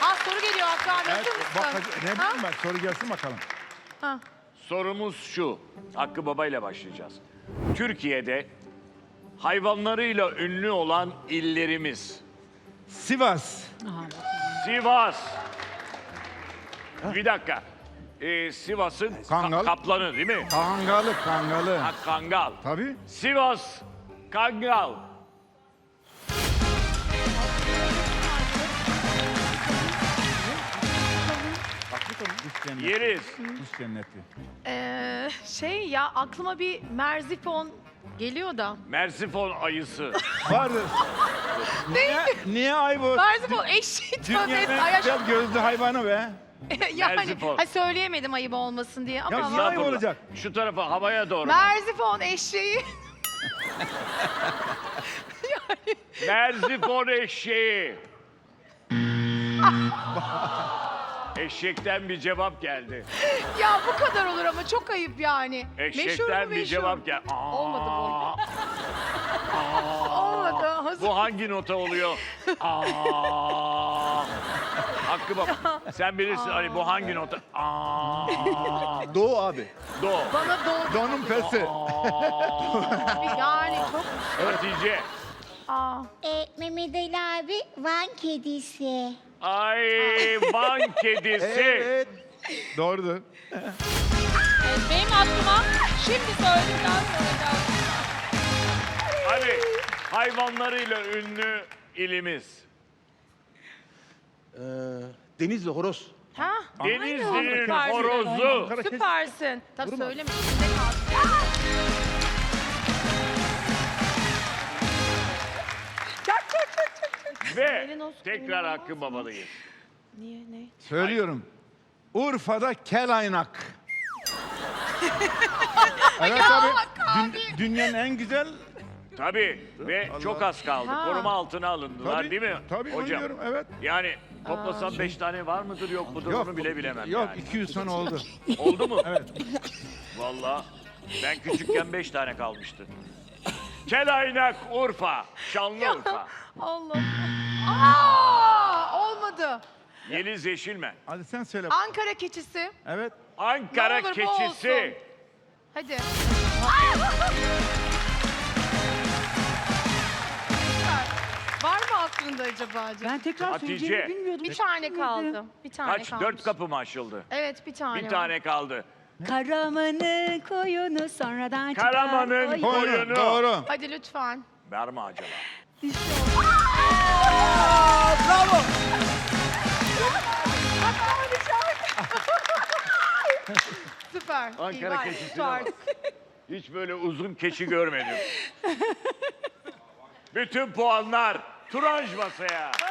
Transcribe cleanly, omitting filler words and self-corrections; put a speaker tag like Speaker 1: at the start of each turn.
Speaker 1: Ha soru geliyor Hakkı abi.
Speaker 2: Evet,
Speaker 1: Hazır mısın?
Speaker 2: ne bileyim ben, soru gelsin bakalım.
Speaker 1: Ha.
Speaker 3: Sorumuz şu. Hakkı Baba ile başlayacağız. Türkiye'de hayvanlarıyla ünlü olan illerimiz.
Speaker 2: Sivas.
Speaker 3: Sivas. Bir dakika. Sivas'ın
Speaker 2: Kangal.
Speaker 3: kaplanı değil mi?
Speaker 2: Kangalı, kangalı.
Speaker 3: Ha, Kangal.
Speaker 2: Tabii.
Speaker 3: Sivas. Kangal.
Speaker 2: Kuş cenneti.
Speaker 3: Yeriz.
Speaker 2: Kuş cenneti.
Speaker 1: Şey ya aklıma bir Merzifon geliyor da.
Speaker 3: Mersifon ayısı.
Speaker 2: Vardır. Niye ay bu?
Speaker 1: Merzifon eşit.
Speaker 2: Dünyanın en güzel gözlü hayvanı be.
Speaker 1: Yani
Speaker 3: Merzifon.
Speaker 1: söyleyemedim ayıp olmasın diye ama
Speaker 2: Ya
Speaker 1: var.
Speaker 2: niye ayıp olacak?
Speaker 3: Şu tarafa havaya doğru.
Speaker 1: Merzifon eşeği.
Speaker 3: Merzifon eşeği. Eşekten bir cevap geldi.
Speaker 1: Ya bu kadar olur ama çok ayıp yani.
Speaker 3: Eşekten bir cevap geldi.
Speaker 1: Olmadı bu. Olmadı. Hazır.
Speaker 3: Bu hangi nota oluyor? Aa. Hakkı baba. Sen bilirsin hani bu hangi nota? Aa.
Speaker 2: Doğu abi.
Speaker 3: Do.
Speaker 1: Bana doğdu.
Speaker 2: Donun pesi.
Speaker 1: Yani çok...
Speaker 3: Hatice.
Speaker 1: Aa.
Speaker 4: Mehmet Ali abi Van kedisi.
Speaker 3: Ay Van kedisi.
Speaker 2: Evet. Doğrudur.
Speaker 5: Benim aklıma şimdi söyledikten sonra
Speaker 3: Hadi hayvanlarıyla ünlü ilimiz.
Speaker 6: Denizli horoz.
Speaker 1: Ha?
Speaker 3: Denizli'nin
Speaker 1: Süpersin.
Speaker 3: horozu.
Speaker 1: Süpersin. Tabii söyleme. İçinde kalsın.
Speaker 3: Ve
Speaker 1: Elin olsun,
Speaker 3: tekrar
Speaker 1: elin
Speaker 3: Hakkı babalıyız.
Speaker 1: Niye ne?
Speaker 2: Söylüyorum. Urfa'da kelaynak. Evet abi. Dünyanın en güzel...
Speaker 3: Tabii ve çok az kaldı.
Speaker 1: Ha.
Speaker 3: Koruma altına alındılar
Speaker 2: Tabii,
Speaker 3: değil mi
Speaker 2: tabii,
Speaker 3: hocam?
Speaker 2: oynuyorum, evet.
Speaker 3: Yani toplasam 5 tane var mıdır yok mudur onu bile bilemem
Speaker 2: Yok,
Speaker 3: yani.
Speaker 2: 200 tane oldu.
Speaker 3: Oldu mu?
Speaker 2: Evet.
Speaker 3: Vallahi ben küçükken 5 tane kalmıştı. Kelaynak Urfa, Şanlıurfa.
Speaker 1: Allah. Aa! Olmadı.
Speaker 3: Yeliz Yeşilmen.
Speaker 2: Hadi sen söyle.
Speaker 1: Ankara keçisi.
Speaker 2: Evet.
Speaker 3: Ankara
Speaker 1: Ne olur bu
Speaker 3: keçisi.
Speaker 1: olsun. Hadi. Var mı aklında acaba?
Speaker 7: Ben tekrar
Speaker 3: Hatice.
Speaker 7: söyleyeceğimi bilmiyordum.
Speaker 1: Bir tane kaldı. Bir tane
Speaker 3: Kaç?
Speaker 1: kalmış.
Speaker 3: 4 kapı mı açıldı?
Speaker 1: Evet bir tane
Speaker 3: Bir
Speaker 1: var.
Speaker 3: tane kaldı.
Speaker 7: Karaman'ın koyunu sonradan çıkar.
Speaker 3: Karaman'ın
Speaker 7: Oy.
Speaker 3: koyunu.
Speaker 2: Doğru.
Speaker 1: Hadi lütfen.
Speaker 3: Var mı acaba?
Speaker 1: Süper. İyi,
Speaker 3: Ankara
Speaker 1: var.
Speaker 3: keçisi de
Speaker 1: Süper.
Speaker 3: var. Hiç böyle uzun keçi görmedim. Bütün puanlar Turanj masaya.